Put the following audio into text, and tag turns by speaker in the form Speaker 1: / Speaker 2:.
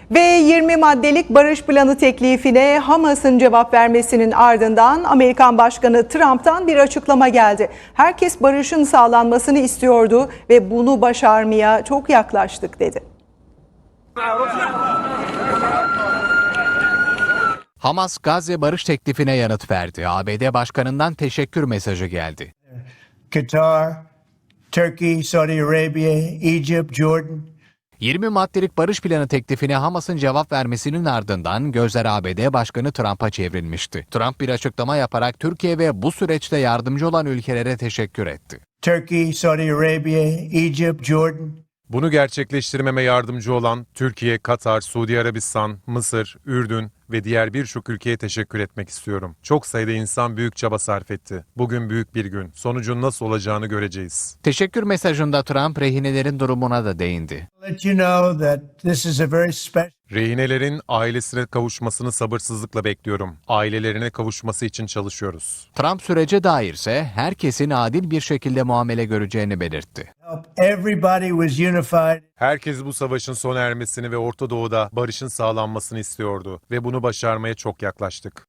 Speaker 1: Ve 20 maddelik barış planı teklifine Hamas'ın cevap vermesinin ardından Amerikan Başkanı Trump'tan bir açıklama geldi. Herkes barışın sağlanmasını istiyordu ve bunu başarmaya çok yaklaştık dedi.
Speaker 2: Hamas, Gazze barış teklifine yanıt verdi. ABD Başkanı'ndan teşekkür mesajı geldi.
Speaker 3: Qatar, Turkey, Saudi Arabia, Egypt, Jordan.
Speaker 2: 20 maddelik barış planı teklifine Hamas'ın cevap vermesinin ardından gözler ABD Başkanı Trump'a çevrilmişti. Trump bir açıklama yaparak Türkiye ve bu süreçte yardımcı olan ülkelere teşekkür etti.
Speaker 3: Turkey, Saudi Arabia, Egypt, Jordan.
Speaker 4: Bunu gerçekleştirmeme yardımcı olan Türkiye, Katar, Suudi Arabistan, Mısır, Ürdün ve diğer birçok ülkeye teşekkür etmek istiyorum. Çok sayıda insan büyük çaba sarf etti. Bugün büyük bir gün. Sonucun nasıl olacağını göreceğiz.
Speaker 2: Teşekkür mesajında Trump rehinelerin durumuna da değindi.
Speaker 3: Let you know that this is a very special.
Speaker 4: Rehinelerin ailesine kavuşmasını sabırsızlıkla bekliyorum. Ailelerine kavuşması için çalışıyoruz.
Speaker 2: Trump sürece dairse herkesin adil bir şekilde muamele göreceğini belirtti.
Speaker 3: Everybody was unified.
Speaker 4: Herkes bu savaşın sona ermesini ve Orta Doğu'da barışın sağlanmasını istiyordu ve bunu başarmaya çok yaklaştık.